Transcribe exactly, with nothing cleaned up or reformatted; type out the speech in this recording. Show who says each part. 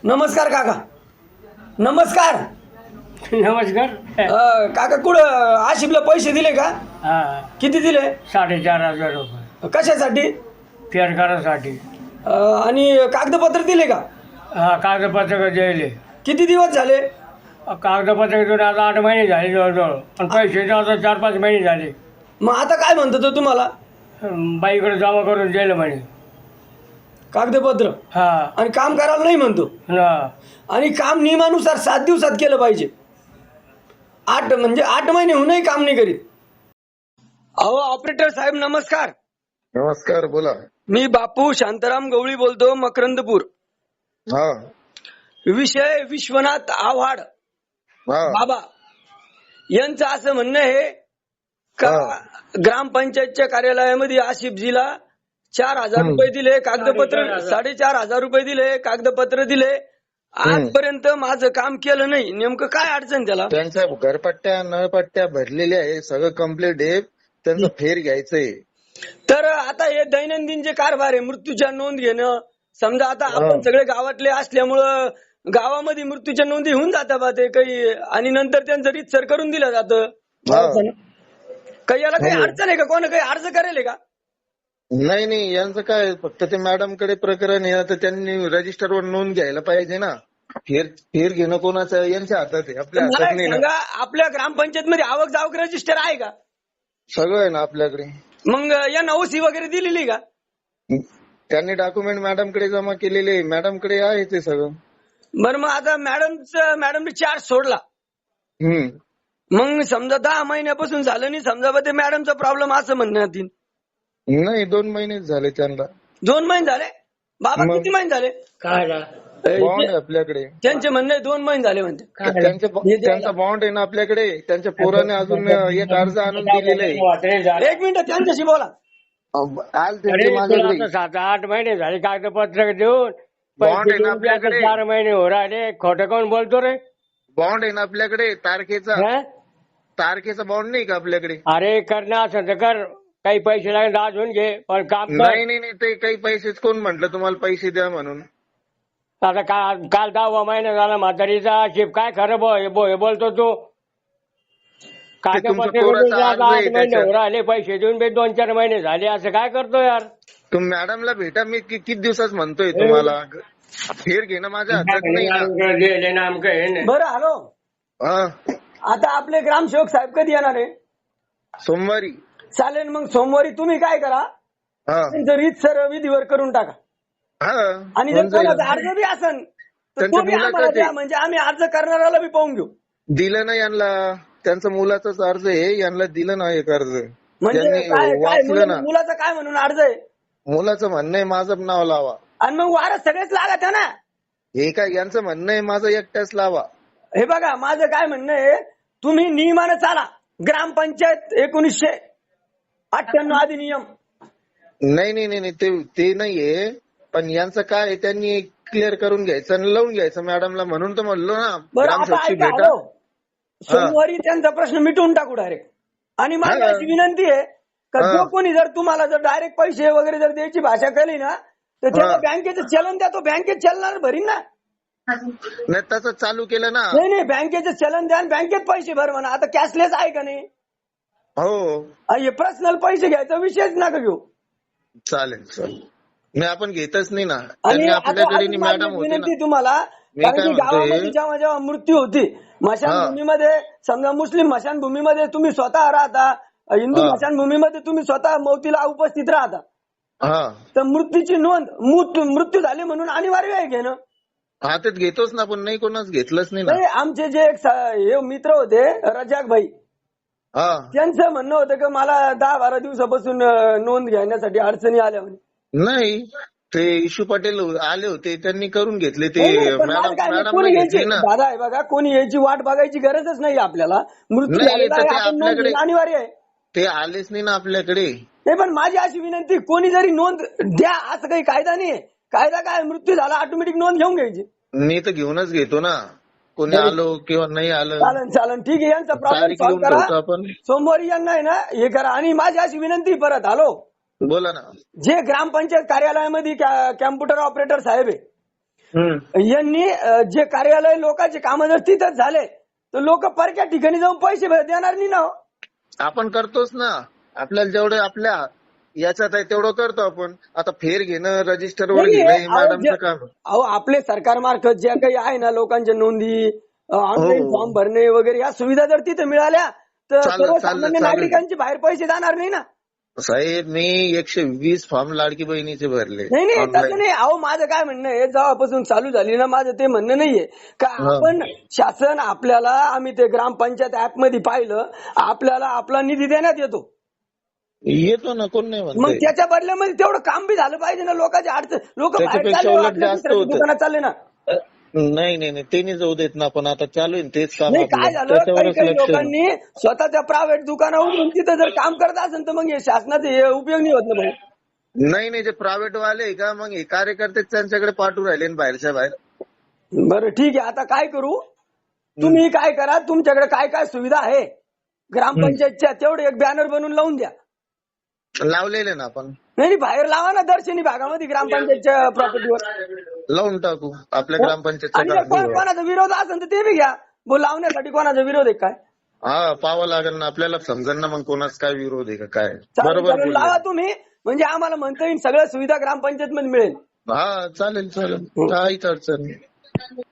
Speaker 1: नमस्कार काका. नमस्कार.
Speaker 2: नमस्कार.
Speaker 1: अ, काका कुठं आशिफला पैसे दिले का?
Speaker 2: हा
Speaker 1: किती दिले?
Speaker 2: साडेचार हजार रुपये
Speaker 1: कशासाठी?
Speaker 2: फेर करासाठी.
Speaker 1: अ, आणि कागदपत्र दिले का?
Speaker 2: हा कागदपत्र द्यायले.
Speaker 1: किती दिवस झाले?
Speaker 2: कागदपत्र घेऊन आता आठ महिने झाले जवळजवळ, पण पैसे आता चार पाच महिने झाले.
Speaker 1: मग आता काय म्हणतो तो तुम्हाला?
Speaker 2: अं, बाईकडे जमा करून द्यायला म्हणे.
Speaker 1: कागदपत्र
Speaker 2: हा
Speaker 1: आणि काम करायला नाही म्हणतो.
Speaker 2: ना.
Speaker 1: आणि काम नियमानुसार सात दिवसात केलं पाहिजे. आठ म्हणजे आठ महिने होऊनही काम नाही करीत. अहो ऑपरेटर साहेब नमस्कार.
Speaker 3: नमस्कार, बोला.
Speaker 1: मी बापू शांताराम गवळी बोलतो, मकरंदपूर.
Speaker 3: हा
Speaker 1: विषय विश्वनाथ आव्हाड
Speaker 3: हा
Speaker 1: बाबा यांचं असं म्हणणं आहे का
Speaker 3: हा.
Speaker 1: ग्रामपंचायतच्या कार्यालयामध्ये आशिफजीला चार हजार रुपये दिले, कागदपत्र साडेचार हजार रुपये दिले, कागदपत्र दिले. आजपर्यंत माझं काम केलं नाही. नेमकं काय अडचण त्याला?
Speaker 3: त्यांच्या घरपट्ट्या नळपट्ट्या भरलेल्या आहे, सगळं कम्प्लीट आहे. त्यांचं फेर घ्यायचंय.
Speaker 1: तर आता हे दैनंदिन जे कारभार आहे, मृत्यूच्या नोंद घेणं, समजा आता आपण सगळे गावातले असल्यामुळं गावामध्ये मृत्यूच्या नोंदी होऊन जातात बा ते काही, आणि नंतर त्यांचं रीतसर करून दिलं जातं. काही याला काही
Speaker 3: हो.
Speaker 1: अडचण आहे का? कोण काही अर्ज करेल का?
Speaker 3: नाही नाही, यांचं काय, फक्त ते मॅडम कडे प्रकरण आहे, तर त्यांनी रजिस्टरवर नोंद घ्यायला पाहिजे ना. फेर फेर घेणं कोणाचं यांच्या हातात आहे, आपल्या
Speaker 1: मला
Speaker 3: हातात
Speaker 1: एक
Speaker 3: नाही ना.
Speaker 1: सांगा, आपल्या ग्रामपंचायत मध्ये आवक जावक रजिस्टर आहे का?
Speaker 3: सगळं आहे ना आपल्याकडे.
Speaker 1: मग या नवसी वगैरे दिलेली का?
Speaker 3: त्यांनी डॉक्युमेंट मॅडम कडे जमा केलेले, मॅडम कडे आहे ते सगळं.
Speaker 1: बरं, मग आता मॅडमचं मॅडमने चार्ज सोडला,
Speaker 3: हम्म
Speaker 1: मग समजा दहा महिन्यापासून झालं नाही, समजा बा ते मॅडमचा प्रॉब्लेम असं म्हणण्यात येईल.
Speaker 3: नाही, दोन महिनेच झाले त्यांना.
Speaker 1: दोन महिने झाले बाबा?
Speaker 3: मग?
Speaker 1: किती महिने झाले?
Speaker 2: काय
Speaker 3: बॉन्ड आहे आपल्याकडे.
Speaker 1: त्यांचे म्हणणे दोन महिने झाले म्हणते.
Speaker 3: त्यांचे त्यांचा बॉन्ड आहे ना आपल्याकडे. त्यांच्या पोराने अजून एक अर्ज आणून दिलेला आहे.
Speaker 1: एक मिनिट त्यांच्याशी बोला.
Speaker 3: आल त्यांचे माझ्याकडे
Speaker 2: सात आठ महिने झाले कागदपत्र देऊन,
Speaker 3: बॉन्ड
Speaker 2: पैसे
Speaker 3: आहे ना
Speaker 2: देऊन बी आता
Speaker 3: आपल्याकडे.
Speaker 2: चार महिने हो राहिले. खोटं कोण बोलतो रे?
Speaker 3: बॉन्ड आहे ना आपल्याकडे तारखेचा.
Speaker 2: हा?
Speaker 3: तारखेचा बॉन्ड नाही का आपल्याकडे?
Speaker 2: अरे करणार असं तर कर, काही पैसे लागेल आज होऊन घे, पण काम कर.
Speaker 3: नाही नाही नाही, ते काही पैसेच कोण म्हटलं तुम्हाला पैसे द्या म्हणून?
Speaker 2: आता काल काल दहावा महिना झाला म्हातारीचा. शिप काय खरं बो हे बो- हे बोलतो तू?
Speaker 3: तुमचं
Speaker 2: कागदपत्र
Speaker 3: पोराचं
Speaker 2: देऊन
Speaker 3: अर्ज
Speaker 2: आता आठ
Speaker 3: आहे
Speaker 2: महिने
Speaker 3: त्याच्यात.
Speaker 2: हो राहिले, पैसे देऊन बी दोन चार महिने झाले. असं काय करतो यार?
Speaker 3: तुम्ही मॅडमला भेटा, मी कि- किती दिवसाच म्हणतोय तुम्हाला. फेर घेणं माझ्या हातात नाही ना.
Speaker 1: बरं हॅलो,
Speaker 3: हा,
Speaker 1: आता आपले ग्रामसेवक साहेब कधी येणार आहे?
Speaker 3: सोमवारी.
Speaker 1: चालेल, मग सोमवारी तुम्ही काय करा,
Speaker 3: हा
Speaker 1: त्यांचं रीतसर विधीवर करून टाका.
Speaker 3: हा
Speaker 1: आणि जर
Speaker 3: होऊन जाईल.
Speaker 1: कोणाचा अर्ज बी असन तर
Speaker 3: त्यांच्या
Speaker 1: तो बी
Speaker 3: मुलाचं
Speaker 1: आम्हाला
Speaker 3: ते-
Speaker 1: द्या, म्हणजे आम्ही अर्ज करणाऱ्याला बी पाहून घेऊ.
Speaker 3: दिलं ना यांना, त्यांचं मुलाचाच अर्ज आहे, यांना दिलं ना एक अर्ज.
Speaker 1: म्हणजे
Speaker 3: यांनी
Speaker 1: काय काय
Speaker 3: वाचलं
Speaker 1: मुलं-
Speaker 3: ना.
Speaker 1: मुलाचं काय म्हणून अर्ज आहे?
Speaker 3: मुलाचं म्हणणं आहे माझं नाव लावा.
Speaker 1: आणि मग वारस सगळेच लागत आहे ना.
Speaker 3: हे काय यांचं म्हणणं आहे माझं एकट्याच लावा.
Speaker 1: हे बघा, माझं काय म्हणणं आहे, तुम्ही नियमानं चाला. ग्रामपंचायत एकोणीसशे अठ्ठ्याण्णव अधिनियम.
Speaker 3: नाही नाही नाही नाही, ते ते नाहीये, पण यांचं काय आहे, त्यांनी क्लिअर करून घ्यायचं आणि लावून घ्यायचं मॅडमला, म्हणून तर म्हणलो ना.
Speaker 1: बरं आता
Speaker 3: ग्रामसेवकची
Speaker 1: ऐका,
Speaker 3: भेटा.
Speaker 1: हॅलो, सोमवारी त्यांचा प्रश्न मिटवून टाकू डायरेक्ट. आणि माझी
Speaker 3: हा.
Speaker 1: अशी विनंती आहे का
Speaker 3: हा.
Speaker 1: जो कोणी जर तुम्हाला जर डायरेक्ट पैसे वगैरे जर द्यायची भाषा केली ना, तर त्याला
Speaker 3: हा.
Speaker 1: बँकेचं चलन द्या, तो बँकेत चलणार भरीन ना.
Speaker 3: नाही तसं चालू केलं ना.
Speaker 1: नाही नाही, बँकेचं चलन द्या आणि बँकेत पैसे भर म्हणा. आता कॅशलेस आहे का नाही?
Speaker 3: हो
Speaker 1: हे पर्सनल पैसे घ्यायचा विषयच नका घेऊ.
Speaker 3: चालेल चालेल, मी आपण घेतच नाही ना.
Speaker 1: आणि
Speaker 3: त्यांनी
Speaker 1: आता
Speaker 3: आपल्याकडे
Speaker 1: अजून माझी
Speaker 3: मॅडम होती
Speaker 1: विनंती
Speaker 3: ना.
Speaker 1: तुम्हाला,
Speaker 3: मी
Speaker 1: कारण
Speaker 3: काय
Speaker 1: की
Speaker 3: म्हणतोय-
Speaker 1: गावामध्ये जेव्हा जेव्हा मृत्यू होती स्मशानभूमीमध्ये, समजा मुस्लिम स्मशानभूमीमध्ये तुम्ही स्वतः राहता, हिंदू
Speaker 3: हा.
Speaker 1: स्मशानभूमीमध्ये तुम्ही स्वतः मौतीला उपस्थित राहता,
Speaker 3: हा
Speaker 1: तर मृत्यूची नोंद मृत्यू मृत्यू झाली म्हणून अनिवार्य आहे घेणं.
Speaker 3: हा तेच घेतोच ना, पण नाही कोणाच घेतलंच नाही ना.
Speaker 1: नाही, आमचे जे एक स- हे मित्र होते रजाक भाई,
Speaker 3: हा
Speaker 1: त्यांचं म्हणणं होतं की मला दहा बारा दिवसापासून अं, नोंद घेण्यासाठी अडचणी आल्या म्हणे.
Speaker 3: नाही, ते इशू पटेल आले होते, त्यांनी करून घेतले ते.
Speaker 1: नाही, नाही, पण
Speaker 3: मॅडम
Speaker 1: मला काय नाही,
Speaker 3: मॅडम
Speaker 1: कोणी
Speaker 3: घेतली
Speaker 1: यायची
Speaker 3: ना.
Speaker 1: दादा आहे बघा, कोणी यायची वाट बघायची गरजच नाही आपल्याला. मृत्यू
Speaker 3: नाही,
Speaker 1: झालेला
Speaker 3: तर
Speaker 1: आहे,
Speaker 3: ते
Speaker 1: आपण नोंद
Speaker 3: आपल्याकडे-
Speaker 1: घेणं अनिवार्य आहे.
Speaker 3: ते आलेच नाही ना आपल्याकडे.
Speaker 1: नाही, पण माझी अशी विनंती, कोणी जरी नोंद द्या, असं काही कायदा नाही. कायदा काय, मृत्यू झाला ऑटोमॅटिक नोंद घेऊन घ्यायची.
Speaker 3: मी तर घेऊनच घेतो ना, कोणी
Speaker 1: नाही.
Speaker 3: आलो किंवा नाही आलं.
Speaker 1: चालन चालन, ठीक आहे, यांचा प्रॉब्लेम
Speaker 3: तारीख
Speaker 1: सॉल्व्ह
Speaker 3: लिहून
Speaker 1: करा.
Speaker 3: ठेवतो आपण.
Speaker 1: सोमवारी यांना आहे ना हे करा. आणि माझी अशी विनंती परत, हॅलो,
Speaker 3: बोला ना.
Speaker 1: जे ग्रामपंचायत कार्यालयामध्ये कॅम्प्युटर ऑपरेटर साहेब आहे,
Speaker 3: हम्म.
Speaker 1: यांनी अं, जे कार्यालय लोकांचे कामं जर तिथंच झाले तर लोक परक्या ठिकाणी जाऊन पैसे भर- देणार नाही ना हो.
Speaker 3: आपण करतोच ना. आपल्याला जेवढे आपल्या याच्यात आहे तेवढं करतो आपण. आता फेर घेणं, रजिस्टरवर
Speaker 1: नाही,
Speaker 3: घेणं हे
Speaker 1: अहो,
Speaker 3: मॅडमचं
Speaker 1: जे-
Speaker 3: काम.
Speaker 1: अहो आपले सरकारमार्फत ज्या काही आहे ना लोकांच्या नोंदी ऑनलाईन
Speaker 3: हो.
Speaker 1: फॉर्म भरणे वगैरे या सुविधा जर तिथे मिळाल्या तर
Speaker 3: चालेल, चालेल,
Speaker 1: सर्वसामान्य
Speaker 3: चालेल.
Speaker 1: नागरिकांचे बाहेर पैसे जाणार नाही ना.
Speaker 3: साहेब मी एकशे वीस फॉर्म लाडकी बहिणीचे भरले
Speaker 1: नाही नाही तसं
Speaker 3: ऑनलाईन.
Speaker 1: नाही. अहो माझं काय म्हणणं आहे जेव्हापासून चालू झाली ना माझं ते म्हणणं नाहीये का
Speaker 3: हा.
Speaker 1: आपण शासन आपल्याला आम्ही ते ग्रामपंचायत ऍप मध्ये पाहिलं आपल्याला आपला निधी देण्यात येतो.
Speaker 3: येतो ना, कोण नाही
Speaker 1: मग
Speaker 3: म्हणतंय.
Speaker 1: त्याच्या बदल्यामध्ये तेवढं काम बी झालं पाहिजे ना. लोकांची अडचण लोक बाहेर
Speaker 3: त्याच्यापेक्षा
Speaker 1: चालले
Speaker 3: उलट
Speaker 1: आपल्या
Speaker 3: जास्त
Speaker 1: दुसऱ्या
Speaker 3: होतं.
Speaker 1: दुकानात चालले ना.
Speaker 3: नाही नाही नाही ते नाही जाऊ देत ना. आपण आता चालू आहे ना तेच काम
Speaker 1: नाही काय
Speaker 3: आपलं.
Speaker 1: झालं काही
Speaker 3: त्याच्यावरच
Speaker 1: काही
Speaker 3: लक्ष.
Speaker 1: लोकांनी स्वतःच्या प्रायव्हेट दुकानावर उघडून तिथं जर काम करत असेल तर मग हे शासनाचे हे उपयोग नाही होत ना भाऊ.
Speaker 3: नाही नाही जे प्रायव्हेट वाले आहे का मग हे कार्यकर्ते त्यांच्याकडे पाठवून राहिले ना बाहेरच्या बाहेर.
Speaker 1: बरं ठीक आहे आता काय करू तुम्ही काय करा तुमच्याकडे काय काय सुविधा आहे ग्रामपंचायतच्या तेवढे एक बॅनर बनवून लावून द्या.
Speaker 3: लावलेले ना आपण.
Speaker 1: नाही नाही, बाहेर लावा ना दर्शनी भागामध्ये ग्रामपंचायतच्या प्रॉपर्टीवर
Speaker 3: लावून टाकू आपल्या ग्रामपंचायतच्या
Speaker 1: आणि जर कोण-
Speaker 3: कागदीवर.
Speaker 1: कोणाचा विरोध असेल तर ते बी घ्या. बोल लावण्यासाठी कोणाचा विरोध आहे काय
Speaker 3: हा पाहावं लागेल ना आपल्याला. समजेल ना मग कोणाच काय विरोध आहे का काय.
Speaker 1: चालेल,
Speaker 3: बरोबर
Speaker 1: चालेल,
Speaker 3: बोलले.
Speaker 1: लावा तुम्ही म्हणजे आम्हाला म्हणता येईल सगळ्या सुविधा ग्रामपंचायत मध्ये मिळेल.
Speaker 3: हा चालेल चालेल काहीच अडचण नाही.